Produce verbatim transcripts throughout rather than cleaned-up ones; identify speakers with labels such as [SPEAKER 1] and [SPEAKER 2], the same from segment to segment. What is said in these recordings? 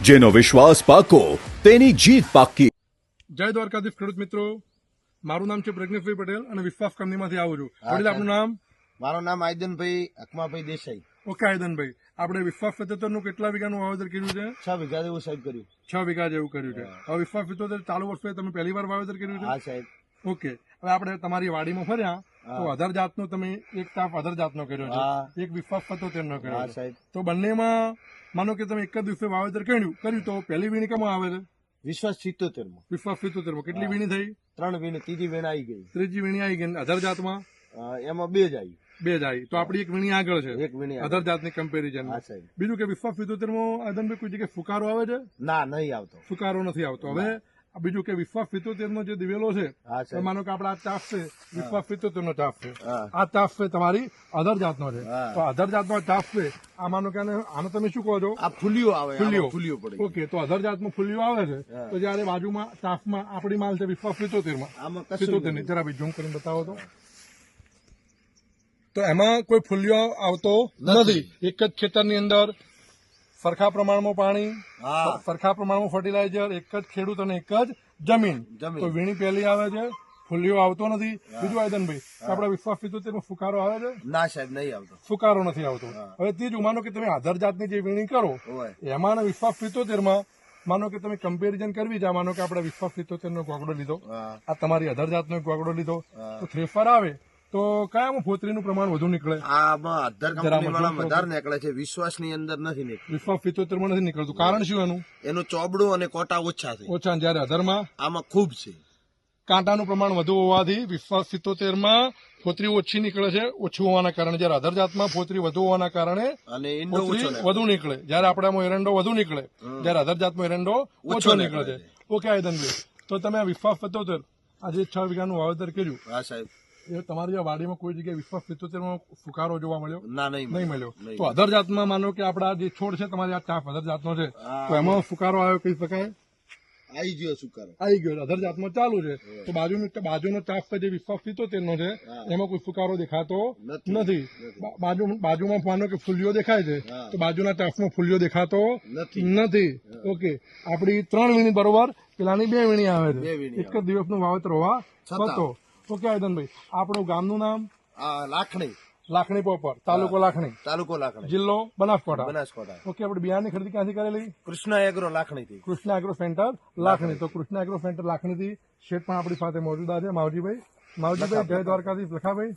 [SPEAKER 1] જેનો વિશ્વાસ પાકો તેની જીત પાકી।
[SPEAKER 2] જય દ્વારકાધીશ ખેડૂત મિત્રો, મારું નામ છે પ્રજ્ઞેશભાઈ પટેલ અને વિશ્વાસ કંપનીમાંથી આવું છું। વડીલ આપનું નામ?
[SPEAKER 3] મારું નામ આયદનભાઈ અકમાભાઈ દેસાઈ।
[SPEAKER 2] ઓકે આયદનભાઈ, આપણે વિશ્વાસ સિત્તોતેર નું કેટલા વીઘાનું વાવેતર કર્યું છે?
[SPEAKER 3] છ વીઘા જેવું સાહેબ કર્યું।
[SPEAKER 2] છ વીઘા જેવું કર્યું છે। હવે વિશ્વાસ સિત્તોતેર ચાલુ વર્ષે તમે પહેલી વાર વાવેતર કર્યું છે?
[SPEAKER 3] હા સાહેબ।
[SPEAKER 2] ઓકે, હવે આપણે તમારી વાડીમાં ફર્યા તો અધર જાતનો તમે એક તાપ અધર જાતનો કર્યો છે, એક વિશ્વાસ સિત્તોતેર નો કર્યો છે। તો બંનેમાં માનો કે તમે એક જ દિવસે વાવેતર કર્યું કર્યું તો પહેલી વીણી કેમાં આવે છે?
[SPEAKER 3] વિશ્વાસ સિત્તોતેર માં।
[SPEAKER 2] વિશ્વાસ સિત્તોતેર માં કેટલી વીણી થઈ?
[SPEAKER 3] ત્રણ વીણી, ત્રીજી વીણ આવી ગઈ।
[SPEAKER 2] ત્રીજી વીણી આવી ગઈ। અધર જાતમાં
[SPEAKER 3] એમાં બે જ આવી।
[SPEAKER 2] બે જ આવી, તો આપડી એક વીણી આગળ છે
[SPEAKER 3] એક વીણી
[SPEAKER 2] અધર જાતની કમ્પેરિઝન। બીજું કે વિશ્વાસ સિત્તોતેર માં આદનભાઈ કોઈ જગ્યાએ ફુકારો આવે છે?
[SPEAKER 3] ના, નહીં આવતો,
[SPEAKER 2] ફુકારો નથી આવતો। હવે બીજું કે વિશ્વાસ સિત્તોતેર નો જે દિવેલો છે, માનો કે આપડા આ ચાફ છે વિશ્વાસ સિત્તોતેર નો ચાફ છે, આ ચાફ છે તમારી અધર જાતનો છે, તો અધર જાતનો ચાફ છે આ માનો કે આને તમે શું કહો છો?
[SPEAKER 3] આ ફૂલિયો આવે,
[SPEAKER 2] ફૂલિયો
[SPEAKER 3] ફૂલિયો પડે।
[SPEAKER 2] ઓકે, તો અધર જાતમાં ફૂલિયો આવે છે, તો જયારે બાજુમાં ચાફમાં આપડી માલ છે વિશ્વાસ સિત્તોતેર માં, સિત્તોતેર ની જરા ભાઈ ઝૂમ કરીને બતાવો તો તો એમાં કોઈ ફૂલિયો આવતો નથી। એક જ ખેતરની અંદર સરખા પ્રમાણમાં પાણી, સરખા પ્રમાણમાં ફર્ટિલાઇઝર, એક જ ખેડૂત અને એક જ જમીન, તો વીણી પહેલી આવે છે, ફૂલિયો આવતો નથી। બીજું આયદનભાઈ, આપડા વિશ્વાસ સિત્તોતેર માં ફુકારો આવે છે?
[SPEAKER 3] ના સાહેબ, નહીં આવતો,
[SPEAKER 2] ફુકારો નથી આવતો। હવે ત્રીજું, માનો કે તમે આધાર જાતની જે વીણી કરો એમાં વિશ્વાસ સિત્તોતેર માં માનો કે તમે કમ્પેરિઝન કરવી છે, માનો કે આપણે વિશ્વાસ સિત્તોતેર નો ગોગડો લીધો, આ તમારી અધર જાતનો ગોગડો લીધો, તો થ્રેફર આવે તો કયામાં ફોતરીનું પ્રમાણ વધુ નીકળે?
[SPEAKER 3] આમાં અધર કંપનીવાળા વધારે નીકળે છે, વિશ્વાસ ની અંદર નથી નીકળતું।
[SPEAKER 2] વિશ્વાસ સિત્તોતેર માં નથી નીકળતું, કારણ શું એનું?
[SPEAKER 3] એનું ચોબડું અને કોટા ઓછા છે,
[SPEAKER 2] ઓછા, જયારે અધરમાં
[SPEAKER 3] આમાં ખૂબ છે,
[SPEAKER 2] કાંટાનું પ્રમાણ વધુ હોવાથી વિશ્વાસ સિત્તોતેર માં ફોતરી ઓછી નીકળે છે, ઓછું હોવાના કારણે, જયારે અધર જાતમાં ફોતરી વધુ હોવાના કારણે
[SPEAKER 3] અને
[SPEAKER 2] વધુ નીકળે, જયારે આપણામાં એરંડો વધુ નીકળે, જયારે અધર જાતમાં એરંડો ઓછો નીકળે છે। ઓકે આયદનભાઈ, તો તમે આ વિશ્વાસ સિત્તોતેર આજે છ વીઘાનું વાવેતર કર્યું,
[SPEAKER 3] હા સાહેબ,
[SPEAKER 2] એ તમારી આ વાડીમાં કોઈ જગ્યાએ વિશ્વાસ સિત્તોતેર માં ફુકારો જોવા મળ્યો?
[SPEAKER 3] ના, નહીં
[SPEAKER 2] મળ્યો। તો અધર જાતમાં માનો કે આપડા જે છોડ છે તમારી આ ચાફ અધર જાતનો છે, તો એમાં ફુકારો આવ્યો કહી શકાય?
[SPEAKER 3] આવી ગયો સુકારો,
[SPEAKER 2] આવી ગયો, અધર જાતમાં ચાલુ છે, તો બાજુનો બાજુનો ચાફ જે વિશ્વાસ સિત્તોતેર નો છે એમાં કોઈ ફુકારો દેખાતો નથી। બાજુ બાજુમાં માનો કે ફૂલિયો દેખાય છે, તો બાજુના ચાફમાં ફૂલિયો દેખાતો નથી। ઓકે, આપડી ત્રણ વીણી બરોબર, પેલાની બે વીણી આવે છે, એક જ દિવસનું વાવેતર હોવા છતાં। ઓકે આયદનભાઈ, આપણું ગામનું નામ?
[SPEAKER 3] લાખણી,
[SPEAKER 2] લાખણી પોપર, તાલુકો લાખણી,
[SPEAKER 3] તાલુકો લાખણી,
[SPEAKER 2] જિલ્લો બનાસકાંઠા,
[SPEAKER 3] બનાસકાંઠા।
[SPEAKER 2] ઓકે, આપણે બિયારની ખરીદી ક્યાંથી કરેલી?
[SPEAKER 3] કૃષ્ણ એગ્રો લાખણી થી,
[SPEAKER 2] કૃષ્ણ એગ્રો સેન્ટર લાખણી। તો કૃષ્ણ એગ્રો સેન્ટર લાખણી થી શેઠ પણ આપણી સાથે મોજુદા છે, માવજીભાઈ। માવજીભાઈ, જય દ્વારકાધીશ। લખાભાઈ,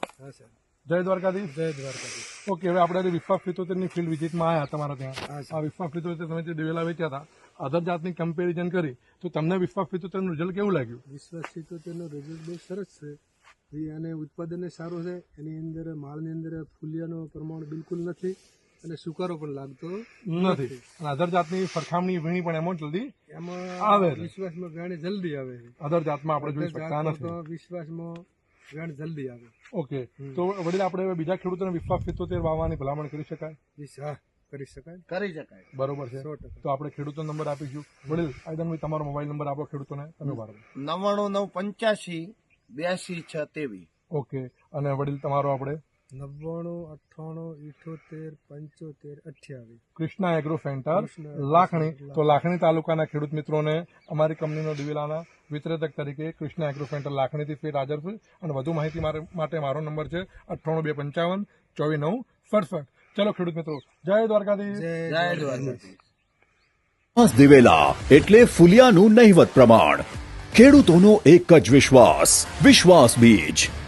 [SPEAKER 2] જય દ્વારકાધીશ। જય દ્વારકાધીશ। ઓકે, હવે આપણે વિશ્વાસ સિત્તોતેર ની ફિલ્ડ વિઝિટમાં આવ્યા તમારા ત્યાં, આ વિશ્વાસ સિત્તોતેર તમે જે દિવેલા વેચ્યા હતા, અધર જાતની કમ્પેરિઝન કરી, તો તમને વિશ્વાસ સિત્તોતેર નું રિઝલ્ટ કેવું લાગ્યું?
[SPEAKER 4] વિશ્વાસ સિત્તોતેર નું રિઝલ્ટ બહુ સરસ છે, અને ઉત્પાદન સારું છે, એની અંદર માલની અંદર ફૂલિયાનું પ્રમાણ બિલકુલ નથી અને સુકારો પણ લાગતો
[SPEAKER 2] નથી, અને અધર જાતની સરખામણી વીણી પણ એમાં જલ્દી
[SPEAKER 4] એમાં
[SPEAKER 2] આવે,
[SPEAKER 4] વિશ્વાસમાં વેણ જલ્દી આવે છે,
[SPEAKER 2] અધર જાતમાં આપણે જોઈ શકતા નથી,
[SPEAKER 4] વિશ્વાસમાં વેણ જલ્દી આવે।
[SPEAKER 2] ઓકે, તો વડીલ આપણે બીજા ખેડૂતોને વિશ્વાસ સિત્તોતેર વાવવાની ભલામણ કરી શકાય?
[SPEAKER 4] હા, કરી શકાય,
[SPEAKER 3] કરી શકાય,
[SPEAKER 2] બરોબર છે। તો આપણે ખેડૂતો નંબર આપીશું। વડીલ આયદનભાઈ, તમારો મોબાઈલ નંબર આપો ખેડૂતોને, તમે બાર
[SPEAKER 3] નવ્વાણું નવ પંચ્યાસી બ્યાસી છ તેવી।
[SPEAKER 2] ઓકે, અને વડીલ તમારો આપણે?
[SPEAKER 4] નવ્વાણું અઠ્ઠાણું ઇઠોતેર પંચોતેર અઠ્યાવીસ।
[SPEAKER 2] Krishna agro centre Lakhani. તો લાખણી તાલુકાના ખેડૂત મિત્રોને અમારી કંપનીનો દિવેલાના વિતરક તરીકે કૃષ્ણા એગ્રો સેન્ટર લાખણીથી ફેર હાજર છે, અને વધુ માહિતી માટે મારો નંબર છે અઠ્ઠાણું બે પંચાવન ચોવીસ નવ સડસઠ। ચલો ખેડૂત મિત્રો, જય દ્વારકાધીશ।
[SPEAKER 3] જય દ્વારકાધીશ।
[SPEAKER 1] દિવેલા એટલે ફુલિયાનું નહિવત પ્રમાણ, ખેડૂતોનો એક જ વિશ્વાસ, વિશ્વાસ બીજ।